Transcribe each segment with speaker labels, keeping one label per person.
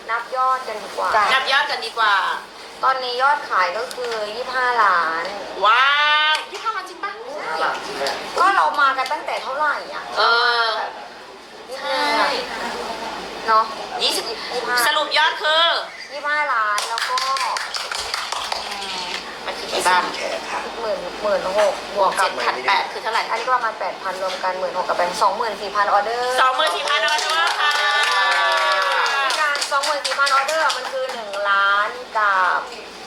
Speaker 1: นับยอดกันดีกว่า
Speaker 2: นับยอดกันดีกว่า
Speaker 1: ตอนนี้ยอดขายก็คือ25 ล้าน
Speaker 2: ว้าว25 ล้านจริงปะ
Speaker 1: ก็เรามากันตั้งแต่เท่าไหร่อ่ะ
Speaker 2: เออ
Speaker 1: นิด
Speaker 2: ใช
Speaker 1: นึง่เนาะ
Speaker 2: สรุปยอดคือ
Speaker 1: 25 ล้านแล้วก็
Speaker 2: มันคือกี่บ้าน
Speaker 3: แขกค่ะ
Speaker 1: 16,000บวกกับ
Speaker 2: 7,800คือเท่าไหร่
Speaker 1: อันนี้ก็ประมาณ 8,000 รวมกัน16,000กับเป็น24,000 ออเดอร์
Speaker 2: 24,000 ออเดอร์ค่ะ
Speaker 1: การ 24,000 ออเดอร์มันคือ1 ล้านกับ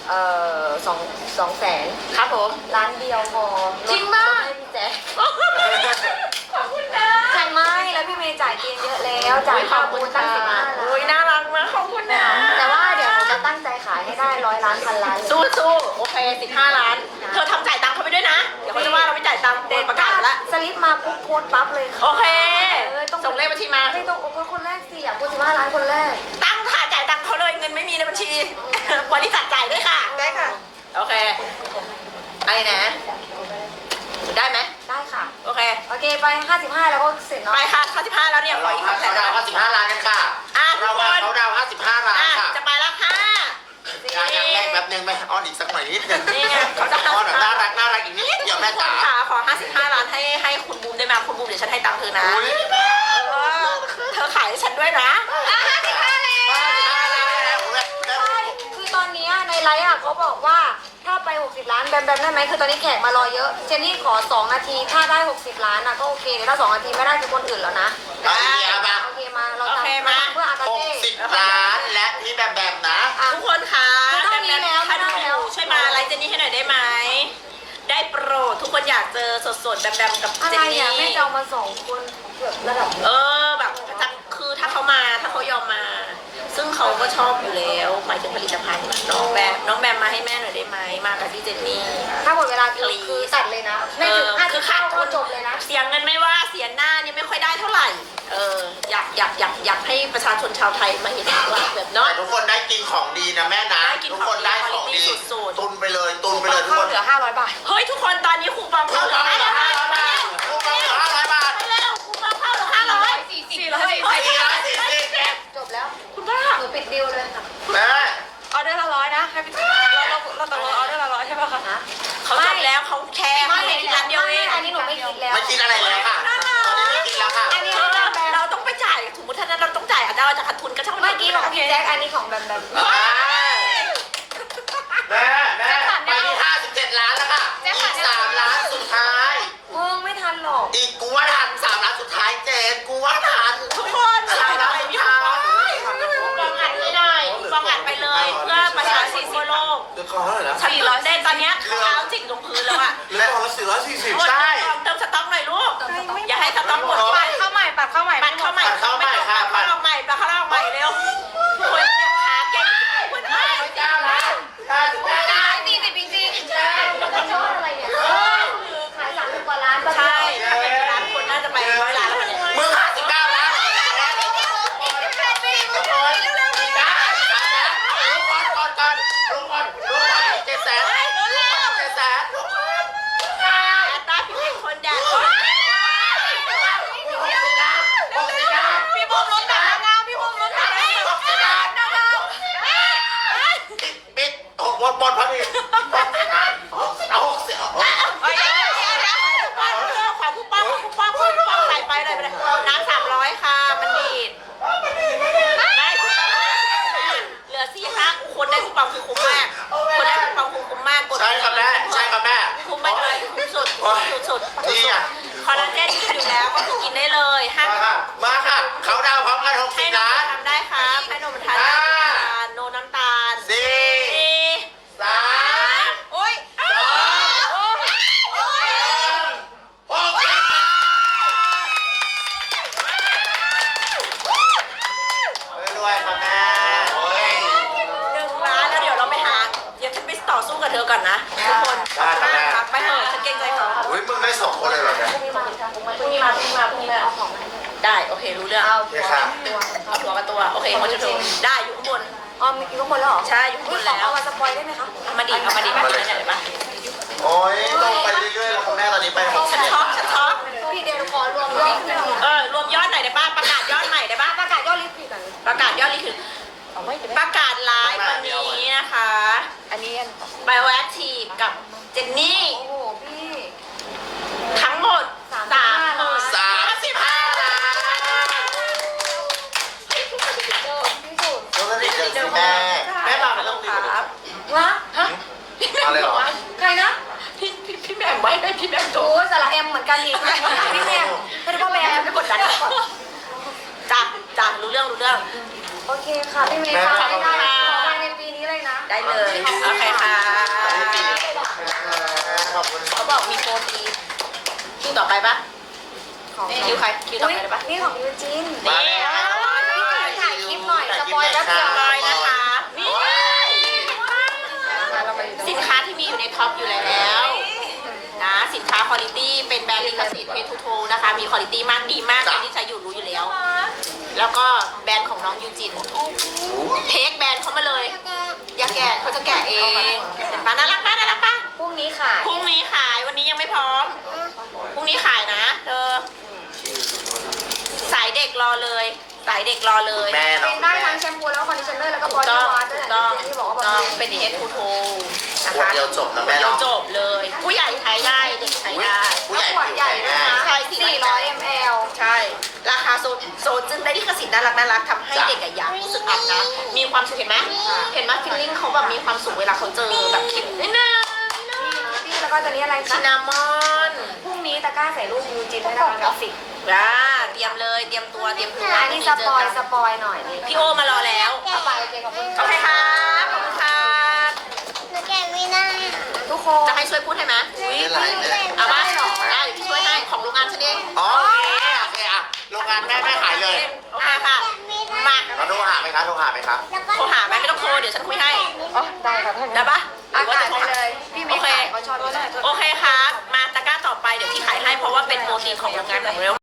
Speaker 1: 2 แสน
Speaker 2: ครับผม
Speaker 1: ล้านเดียวพอ
Speaker 2: จริงมาก
Speaker 1: ลดให้พี่แจ๊ค
Speaker 2: ขอบคุณนะ
Speaker 1: ใช่ไหมแล้วพี่เมย์จ่ายเกินเยอะแล้วจ่ายค่าบูธตั้ง15 ล้าน
Speaker 2: อุ้ยน่ารักมากขอบคุณนะ
Speaker 1: แต่ว่าเดี๋ยวหนูจะตั้งใจขายให้ได้100 ล้านพันล้านเลย
Speaker 2: สู้โอเค15 ล้าน เธอทำจ่ายตังค์เขาไปด้วยนะ เดี๋ยวเขาจะว่าเราไม่จ่ายตังค์เด็ดประกาศละ
Speaker 1: สลิปมาปุ๊บโพสต์ปั๊บเลยค่ะ
Speaker 2: โอเค
Speaker 1: ต้อง
Speaker 2: ส่งเลขบัญชีมา
Speaker 1: ไม่ต้องโอ้คนแรกสิอยากพูด15 ล้านคนแรก
Speaker 2: ตั้งค่ะจ่ายตังค์เขาเลยเงินไม่มีในบัญชี บริษัทจ่ายด้วยค่ะ
Speaker 1: ได้ค่ะ
Speaker 2: โอเคอะไรนะ ได้ไหม
Speaker 1: ได้ค่ะ
Speaker 2: โอเค
Speaker 1: โอเคไป55แล้วก็เสร็จเนาะ
Speaker 2: ไปค่ะ55แล้วเนี่ยขอ
Speaker 3: เรา
Speaker 2: อีก
Speaker 3: เขา
Speaker 2: 2แสน
Speaker 3: ดาว55 ล้านกันค่ะ เรามาเขาดาว55 ล้าน
Speaker 2: อ่ะ
Speaker 3: ค่ะ
Speaker 2: จะไปแล้วค่ะ
Speaker 3: อย่างแรกแป๊บนึงไหมอ้อนอีกสักหน่อยนิดนึง
Speaker 2: นี่ไงเขาจะ
Speaker 3: อ้อนแบบน่ารักอีกนิดเดี๋ยวแม่จ๋า
Speaker 2: ค่ะขอ55 ล้านให้คุณบูมได้ไหมคุณบูมเดี๋ยวฉันให้ตังค์เธอนะ
Speaker 3: อุ้ย
Speaker 2: เออเธอขายให้ฉันด้วยนะ55 แล้ว
Speaker 1: ใช่คือตอนเนี้ยในไลฟ์อ่ะเขาบอกว่าถ้าไป60 ล้านแบมได้ไหมคือตอนนี้แขกมารอเยอะเจนนี่ขอ2 นาทีถ้าได้60 ล้านอ่ะก็โอเคเดี๋ยวถ้า2 นาทีไม่ได้คือคนอื่นแล้วนะ
Speaker 3: เอาอีเดียมา
Speaker 1: โอเคมาเราทำเพื่ออากาเซ่
Speaker 3: 60 ล้านและพี่แบมนะ
Speaker 1: อ่ะ
Speaker 2: ทุกคนคะ
Speaker 1: คือต้องมีแล้ว
Speaker 2: ถ้าดู
Speaker 1: ไม่ได้แล้ว
Speaker 2: ช่วยมาไลฟ์เจนนี่ให้หน่อยได้ไหม ได้โปรดทุกคนอยากเจอสดๆแบมๆกับ
Speaker 1: อะ
Speaker 2: เจ
Speaker 1: ไร
Speaker 2: นนี่
Speaker 1: อ่ะแม่จะเอามา2 คนเกือบระดับ
Speaker 2: แบบคือถ้าเขามาถ้าเขายอมมา ซึ่งเขาก็ชอบอยู่แล้วหมายถึงผลิตภัณฑ์น้องแบมมาให้แม่หน่อยได้ไหมมากับพี่เจนนี่
Speaker 1: ถ้าหมดเวลาคือตัดเลยนะไม่ถึง5
Speaker 2: คือ
Speaker 1: 5
Speaker 2: ขาด
Speaker 1: ก็จบเลยนะ
Speaker 2: เสียเงินไม่ว่าเสียหน้านี่ไม่ค่อยได้เท่าไหร่อยากให้ประชาชนชาวไทยมาเห็นว่าแบบเนาะ
Speaker 3: แต่ทุกคนได้กินของดีนะแม่นะ
Speaker 2: ได้กิน
Speaker 3: ทุกคนได้ของดี
Speaker 2: สุดๆ
Speaker 3: ตุนไปเลยทุก
Speaker 1: เข้า
Speaker 3: คน
Speaker 1: เหลือ500 บาท
Speaker 2: เฮ้ยทุกคนตอนนี้คูปอง
Speaker 3: ลู
Speaker 2: เข้าก เหลื
Speaker 3: เรา
Speaker 2: อ
Speaker 3: เหลือ
Speaker 2: 500 บาท
Speaker 3: 500 บาทลูกเราเหลือ500 บาท
Speaker 2: ไปแล้วคูปองเข้าเหลือ500
Speaker 1: จบแล้ว
Speaker 2: คุณป้า
Speaker 1: หนูปิดดิวเลยค่ะ
Speaker 3: แม่
Speaker 1: ออเดอร์ละ100นะให้พี่เราตกลงออเดอร์ละ100ใช่ป่ะคะ
Speaker 2: เขาจบแล้วเขาแค่เขาไม่กินร้านเดียวเอง
Speaker 1: อันนี้หนูไม่คิดแล้ว
Speaker 3: ไม่กินอะไรแล้วค่ะ ตอนนี้ไม่กินแล้วค่ะ
Speaker 1: อันนี้
Speaker 2: เราต้องไปจ่ายสมมติถ้านั้นเราต้องจ่ายอาจจะเราจะขาดทุนก็ช่าง
Speaker 1: เมื่อกี้ของพี่แจ็คอันนี้ของแบมแบม
Speaker 3: แม่ไปที่57 ล้านแล้วค่ะ อีก3 ล้านสุดท้าย
Speaker 1: มึงไม่ทันหรอก
Speaker 3: อีกกูว่าทัน3 ล้านสุดท้ายเจนกูว่าทัน
Speaker 2: ทุกคน
Speaker 3: 3 ล้านสุดท้าย
Speaker 2: ฟองอัดไม่ได้ฟองอัดไปเลยเพื่อประชาชนทั่วโลก
Speaker 4: เดือนก่อนเท่าไหร่นะ
Speaker 2: ฉันตื่นเต้นตอนเนี้ยเท้าจิกลงพื้นแล้วอ่ะ
Speaker 4: เดือนก่อนละ440
Speaker 3: ใช่
Speaker 2: เติมสต๊อกหน่อยลูกอย่าให้สต๊อกหมด
Speaker 1: ปัดเข้าใหม่ปัดเข้าใหม่
Speaker 2: ปัดเข้าใหม่เข้าใหม่เร็วคนเนี่ยขาเก่งคนเอ้ย
Speaker 3: 9 ล้าน59 ล้าน
Speaker 1: 40จริงๆใช่แล้วยอดอะไรเนี่ยขาย30 กว่าล้าน
Speaker 2: ใช่ถ้าเป็นร้านคนน่าจะไป100 ล้านแล้วเนี่ย
Speaker 3: มึง59 ล้านทุกคนได้ลุงก่อน7 แสน7 แสน
Speaker 2: อัตราพี่เป็นคนแดด
Speaker 1: พี่บุ้มรถแต่งงานพี่บุ้มรถแต่งงาน
Speaker 3: ปิดหมดพอดีเอา60
Speaker 2: ของผู้ป้องใส่ไปเลยน้ำ300ค่ะมันดีดได้เหลือ4 คนได้คูปองคือคุ้มมากคนได้คูปองคือคุ้มมากกด
Speaker 3: ใช่ครับแม่
Speaker 2: คุ้มไปเลยคุ้มสุด
Speaker 3: นี่อ่ะ
Speaker 2: คอลลาเจนกินอยู่แล้วก็คือกินได้เลยห้าม
Speaker 3: มาค่ะเขาดาวพร้อมกัน
Speaker 2: ให้
Speaker 3: 60
Speaker 2: น
Speaker 3: ล้าน
Speaker 2: มทำได้ครับให้นมทานโนน้ำตาล
Speaker 3: 4 3
Speaker 2: โอ้ย
Speaker 3: รวยค่ะแม่โอ้ย
Speaker 2: 1 ล้านแล้วเดี๋ยวเราไปหาเดี๋ยวฉันไปต่อสู้กับเธอก่อนนะทุกคนไปเถอะฉันเกรงใจเขา
Speaker 3: อุ้ยมึงได้2 คนเลยเหรอเนี่ย
Speaker 2: พรุ่งนี้มา
Speaker 1: เอาของมา
Speaker 2: ได้โอเครู้เรื่อง
Speaker 1: เอา
Speaker 3: โอเคค่ะ
Speaker 2: เอาหัวกับตัวโอเคเขาจะดูได้อยู่ข้างบน
Speaker 1: อ๋อมีข้างบนแล้วเหรอ
Speaker 2: ใช่อยู่ข้างบนแล้ว
Speaker 1: เอามาสปอยได้ไหมคะ
Speaker 2: เอามาดิเนี่ยมา
Speaker 3: โอ้ยลงไปเรื่อยๆแล้วคุณแม่ตอนนี้ไป
Speaker 2: ฉันช็อก
Speaker 1: พี่เดี๋ยวขอรวมยอดหนึ่ง
Speaker 2: รวมยอดหน่อยได้ป่ะประกาศยอดใหม่ได้ป่ะ
Speaker 1: ประกาศยอดลิฟต์อีกก่อน
Speaker 2: ประกาศยอดนี่คือประกาศไลฟ์วันนี้นะคะ
Speaker 1: อันนี้
Speaker 2: Bioactive กับเจนนี่
Speaker 1: โอ้โหพี่
Speaker 2: ทั้งหมด
Speaker 1: 35
Speaker 2: 35 ล้าน
Speaker 1: ที่สุด
Speaker 3: แล้วก็นี่เจอสิแม่
Speaker 2: แม่บอกแล้วครับ
Speaker 1: วะฮะ
Speaker 3: อะไรหรอ
Speaker 1: ใครนะ
Speaker 2: พี่แม่ไว้ให้พี่แม่โจ
Speaker 1: โอ้ยสาระแอมเหมือนกันอีกพี่แม่ไม่ได้พ่อแม่
Speaker 2: ไม่กดดันจ้ะรู้เรื่อง
Speaker 1: โอเคค่ะพี่เมย์ค่ะได้ภายในปีนี้เลยนะ
Speaker 2: ได้เลย โอเคค่ะ
Speaker 3: ขอบคุณ
Speaker 2: เขาบอกมีโปรตีนคิวต่อไปปะคิวใครคิวต่อไปได้ปะ
Speaker 1: นี่ของยูจิน
Speaker 3: มาแล้ว
Speaker 1: พี่เจนถ่ายคลิปหน่อยสปอยแป๊บเดียว
Speaker 2: ลอยนะคะนี่สินค้าที่มีอยู่ในท็อปอยู่แล้วนะสินค้าคุณภาพเป็นแบรนด์ลิขสิทธิ์เพทูโทนะคะมีคุณภาพมากดีมากใครที่ใช้อยู่รู้อยู่แล้ว แล้วก็แบรนด์ของน้องยูจินเทคแบรนด์เขามาเลย อย่าแกะเขาจะแกะเองเห็นปะน่ารักปะน่ารักปะ
Speaker 1: พรุ่งนี้ขาย
Speaker 2: พรุ่งนี้ขายวันนี้ยังไม่พร้อมพรุ่งนี้ขายนะเธอสายเด็กรอเลยสายเด็กรอเลย
Speaker 3: แม่
Speaker 1: เป็
Speaker 3: เนาะ
Speaker 1: นได้ทั้งแชมพูแล้วก็คอนดิชเนอร์แล้วก็บอ
Speaker 2: ถูก
Speaker 1: ดี้
Speaker 2: ต้อง
Speaker 1: วอช
Speaker 2: ถู
Speaker 1: ด้วย
Speaker 2: กต้อง
Speaker 1: ที่บอกว่า
Speaker 2: ถูก
Speaker 1: บ
Speaker 2: ต้อง
Speaker 1: ำรุง
Speaker 2: เป็นเทสทูโทนะ
Speaker 3: ขวด
Speaker 2: คะ
Speaker 3: เดียวจบนะแม่
Speaker 2: เดี๋ยว
Speaker 3: เนาะ
Speaker 2: จบเลย ผู้ใหญ่ใช้ได้เด็กใช้ได้
Speaker 3: ผู้ใหญ่
Speaker 1: ขวดใหญ่ด้วยนะ
Speaker 2: ใช่
Speaker 1: 400 ml
Speaker 2: ใช่ ราคาโซนจึงได้ลิขสิทธิ์น่ารักทำให้เด็กอะอยากรู้สึกอาบน้ำมีความสุขเห็นไหมเห็นไหมฟิลลิ่งเขาแบบมีความสุขเวลาเขาเจอแบบคลิปนี่นะ
Speaker 1: พี่แล้วก็ตัวนี้อะไร
Speaker 2: ชิ
Speaker 1: คะ
Speaker 2: นามอน
Speaker 1: พรุ่งนี้ตะกร้าใส่รูปยูจินด้วยนะคะกราฟิก
Speaker 2: เตรียมเลยเตรียมตัวอันนี้
Speaker 1: สปอยหน่อยนี่
Speaker 2: พี่โอมารอแล้ว
Speaker 1: เอาไปโอเคขอบคุณ
Speaker 2: โอเคครับขอบคุณครับ
Speaker 5: หนูแกะไม่ได้
Speaker 1: ทุกคน
Speaker 2: จะให้ช่วยพูดให้ไหม
Speaker 3: ไม่ไรเลย
Speaker 2: เอาป่ะได้เดี๋ยวพี่ช่วยให้ของโรงงานฉันเอง
Speaker 3: อ๋อโอเคอ่ะโรงงานแม่ขายเลย
Speaker 2: โอเคค่ะ มา
Speaker 3: เราโทรหาไหมคะโทรหาไหมครับ
Speaker 5: แล้วก็
Speaker 2: โทรหาไหมไม่ต้องโทรเดี๋ยวฉันคุยให้
Speaker 1: อ๋อได้ค่ะท่าน
Speaker 2: ได้ปะ
Speaker 1: อากาศไปเลย พี่เมย์ขายเขาชอบด้วย
Speaker 2: โอเคครับ มาตะกร้าต่อไปเดี๋ยวพี่ขายให้เพราะว่าเป็นโปรตีนของโรงงานของเรา